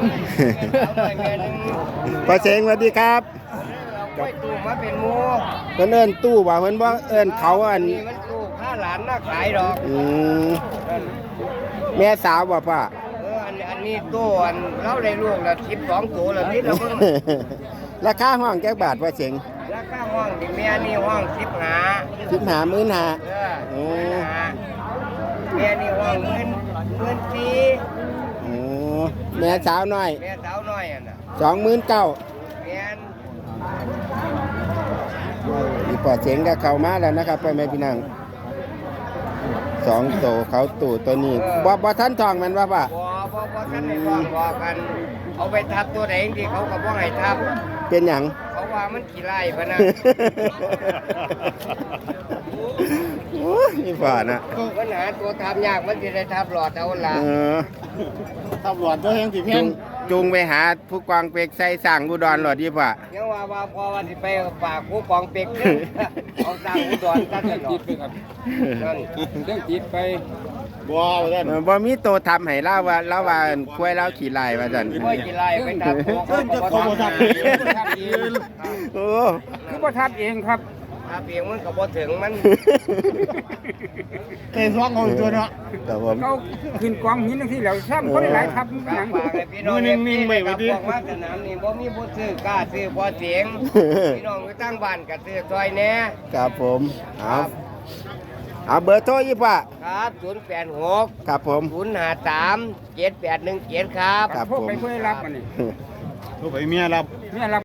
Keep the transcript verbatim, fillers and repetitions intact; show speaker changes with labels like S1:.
S1: พ่อเสงสวัสดีครับ
S2: กล้วยตู้มาเป็นหมู
S1: เพิ่นเอิ้นตู้ว่าเพิ่นบ่เอิ้นเขาอัน
S2: นี่มันตู้ข้าหลานน่าขายดอก
S1: อืมแม่สาวบ่ป้า
S2: เอออันอันนี้ตู้อันเราได้ลูกละสิบสองตัวแล้วนี่เราเพิ่ง
S1: ราคาห้องจักบาทพ่อเสง
S2: ราคาห้องที่แม่นี่ห้องสิบห้า
S1: สิบห้าหมื่นห้า
S2: เออ
S1: โอ้
S2: แม่นี่ห้องเงินเงินสี
S1: โอ้แม่สาวน้อย
S2: แม่สาวน้อยอ่ะน่ะ
S1: สองหมื่นเก้า
S2: แม่น
S1: อีปอดเสียงก็เข้ามาแล้วนะครับพ่อแม่พี่น้องสองโตเขาตู่ตัวนี้บ่บ่ทันทองแมันว่าป่ะ
S2: บ่บ่บ่ท่านได้บอกบอกกัน เอาไปทับตัวไหนที่เขาก็บ่ให้ทับ
S1: เป็นหยัง
S2: เขาว่ามันขี้ไล่พะนะ
S1: โอ้ยอีปอดนะ
S2: ปัญหาตัวทับยากมันสิได้ทับหลอดเอาล่ะ
S1: เออ
S3: ตำรวจตัวแห่งที่แพ
S1: จู
S3: ง
S1: งจูงไปหาผู้กองเป็กใส่สั่งอุดรหลอดดีป่ะ
S2: ยังว่าว่าพอวันที่ไปฝากผู้กองเป็กเนี่ยเอาสร้างอุดรกันเลยจิตไปครับนั่นเรื่องจิตไป
S3: บัวว่าท่าน
S1: เออบ่มีโตทำให้เล่าว่าเล่าว่าควยเล่าขี่ลายว่าซั่น
S2: ไม่กี่ไล่ไปทับตัวเขาก็บ่ทับเองทับเอง
S1: โอ้
S2: คือบ่ทับเองครับทับเองมันก็บ่ถึงมัน
S3: เตะซ้องเอาตัวเนาะ
S1: ครับผม
S4: เขาขึ้นกองหินทั้งที่แล้วซ้ำคนหลายทับ
S2: ฝากฝากให้พี่น้องนิ่งๆไว้ไว้ดิบอกว่าสนามนี่บ่มีผู้ซื้อกล้าซื้อพอเสียงพี่น้องไปตั้งบ้านก็ซื้อซอยแหน่
S1: ครับผมเอาเอาเบอร์โทรยี่ป่ะ
S2: ครับศูนย์แปดหก
S1: ครับผม
S2: ศูนย์ห้าสามเจ็ดแปดหนึ่งเจ็ดครับ
S1: ครับ
S4: พวก
S1: ผม
S4: ไปเพื่อรับมันนี่
S3: ตัวไปเมียรับ
S4: เนี่ยรับ